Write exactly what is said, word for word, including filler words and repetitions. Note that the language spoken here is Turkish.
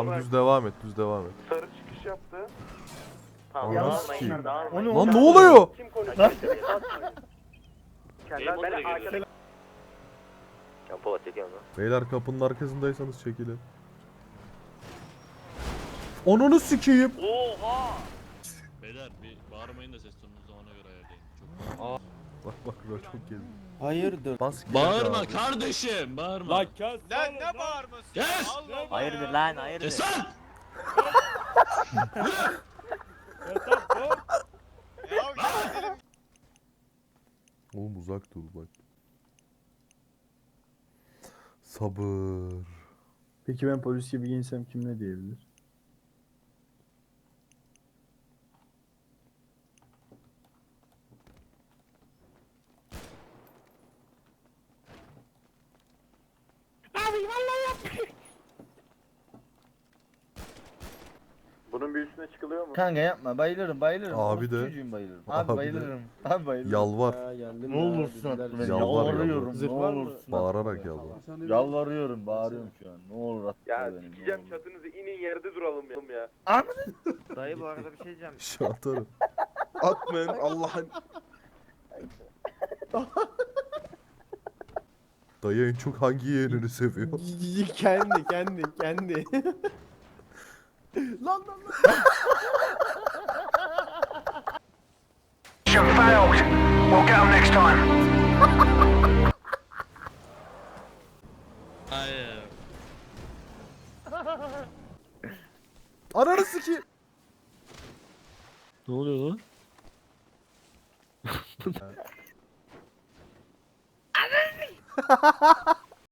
Tamam düz devam et, düz devam et. Sarı çıkış yaptı. Tamam, Ananı dağılmayın, sikeyim. dağılmayın. Lan ne oluyor? Kim konuşuyor? Kendler ben arkada... Ya Polat çekiyor mu? Beyler kapının arkasındaysanız çekilin. Ananı sikeyim. Oha! Beyler bir bağırmayın da ses tonunuzu ona göre ayarlayın. Çok... Bak bak bak çok gezdim. Hayırdır? Bas Bağırma abi. kardeşim, bağırma. Lan kes. Lan ne bağırması? Kes! Allah Allah Hayırdır ya. lan hayırdır. Kes lan! Yatak dur. Ya gidelim. Oğlum uzak dur bak. Sabır. Peki ben polis gibi giyinsem kim ne diyebilir? Bunun bir üstüne çıkılıyor mu? Kanka yapma bayılırım bayılırım. Abi Orospu de. çocuğum bayılırım. Abi, Abi de. bayılırım. Abi bayılırım. Yalvar. Ne olursun at beni. Yalvar, Yalvarıyorum. yalvar. Ne olursun. Bağırarak yalvar. Yalvarıyorum bağırıyorum şu an. Ne olur at Ya beni. ne sikeceğim olur. çatınızı, inin yerde duralım ya. Dayı bu arada bir şey diyeceğim. Şu atarım. Atmayın Allah'ın. Dayı en çok hangi yeğenini seviyor? kendi kendi kendi. lan lan lan. Hayır. Ananı sikeyim. Ne oluyor lan?